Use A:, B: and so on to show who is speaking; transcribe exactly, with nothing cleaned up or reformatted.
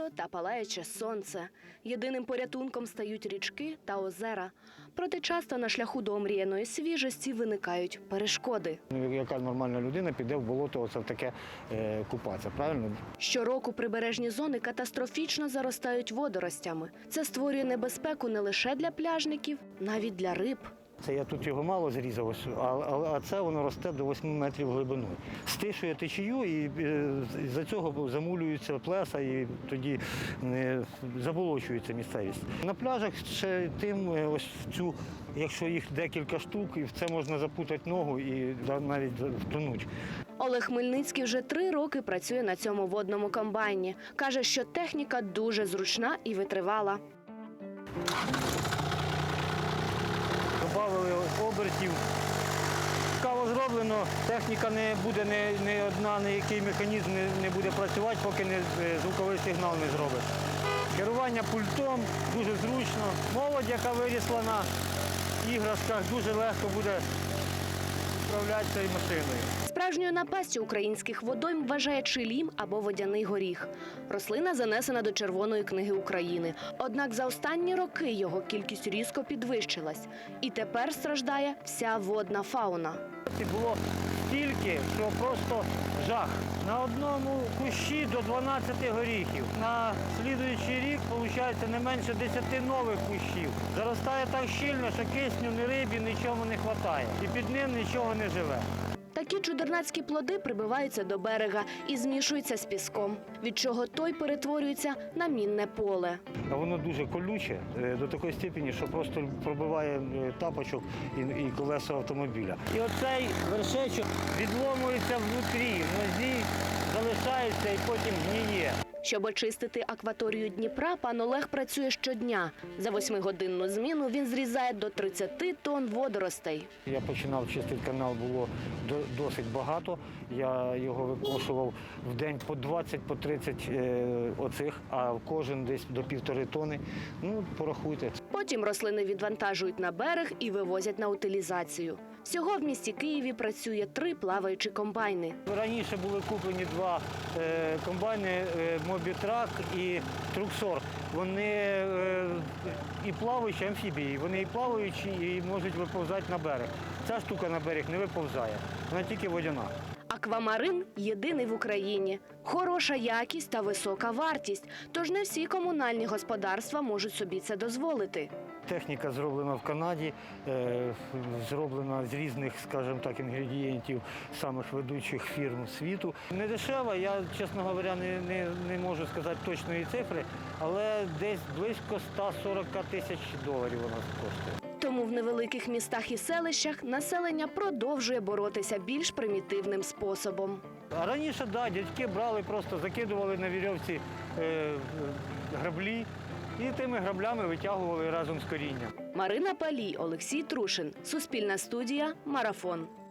A: літо та палаюче сонце. Єдиним порятунком стають річки та озера. Проте часто на шляху до омріяної свіжості виникають перешкоди.
B: Яка нормальна людина піде в болото оце в таке е, купатися, правильно?
A: Щороку прибережні зони катастрофічно заростають водоростями. Це створює небезпеку не лише для пляжників, навіть для риб.
B: Це я тут його мало зрізав, ось, а, а, а це воно росте до восьми метрів глибиною. Стишує течію і е, з-за цього замулюються плеса і тоді е, заболочується місцевість. На пляжах ще тим, е, ось цю, якщо їх декілька штук, і в це можна запутати ногу і да, навіть втонуть.
A: Олег Хмельницький вже три роки працює на цьому водному комбайні. Каже, що техніка дуже зручна і витривала.
B: Добавили обертів. Цікаво зроблено, техніка не буде, не, не одна, ніякий механізм не, не буде працювати, поки не, звуковий сигнал не зробить. Керування пультом дуже зручно. Молодь, яка вирісла на іграшках, дуже легко буде управляти цією машиною.
A: Справжньою напастю українських водойм вважає чилім або водяний горіх. Рослина занесена до Червоної книги України. Однак за останні роки його кількість різко підвищилась. І тепер страждає вся водна фауна.
B: Було стільки, що просто жах. На одному кущі до дванадцяти горіхів. На слідуючий рік, виходить, не менше десяти нових кущів. Заростає так щільно, що кисню, ні рибі, нічого не вистачає. І під ним нічого не живе.
A: Такі чудернацькі плоди прибиваються до берега і змішуються з піском, від чого той перетворюється на мінне поле.
B: А воно дуже колюче до такої степені, що просто пробиває тапочок і колеса автомобіля. І оцей вершечок відломується внутрі, в нозі залишається і потім гниє.
A: Щоб очистити акваторію Дніпра, пан Олег працює щодня. За восьмигодинну зміну він зрізає до тридцяти тонн водоростей.
B: Я починав чистити канал, було досить багато. Я його викошував в день по двадцять, по тридцять оцих, а кожен десь до півтори тони. Ну, порахуйте.
A: Потім рослини відвантажують на берег і вивозять на утилізацію. Всього в місті Києві працює три плаваючі комбайни.
B: Раніше були куплені два е, комбайни е, «Мобітрак» і «Труксор». Вони е, і плаваючі амфібії, вони і плаваючі, і можуть виповзати на берег. Ця штука на берег не виповзає, вона тільки водяна.
A: Аквамарин – єдиний в Україні. Хороша якість та висока вартість, тож не всі комунальні господарства можуть собі це дозволити.
B: Техніка зроблена в Канаді, зроблена з різних, скажімо так, інгредієнтів самих ведучих фірм світу. Не дешева, я, чесно говоря, не, не, не можу сказати точної цифри, але десь близько ста сорока тисяч доларів вона коштує.
A: Тому в невеликих містах і селищах населення продовжує боротися більш примітивним способом.
B: А раніше, да, дядьки брали, просто закидували на вірьовці е, граблі і тими граблями витягували разом з корінням.
A: Марина Палій, Олексій Трушин. Суспільна студія «Марафон».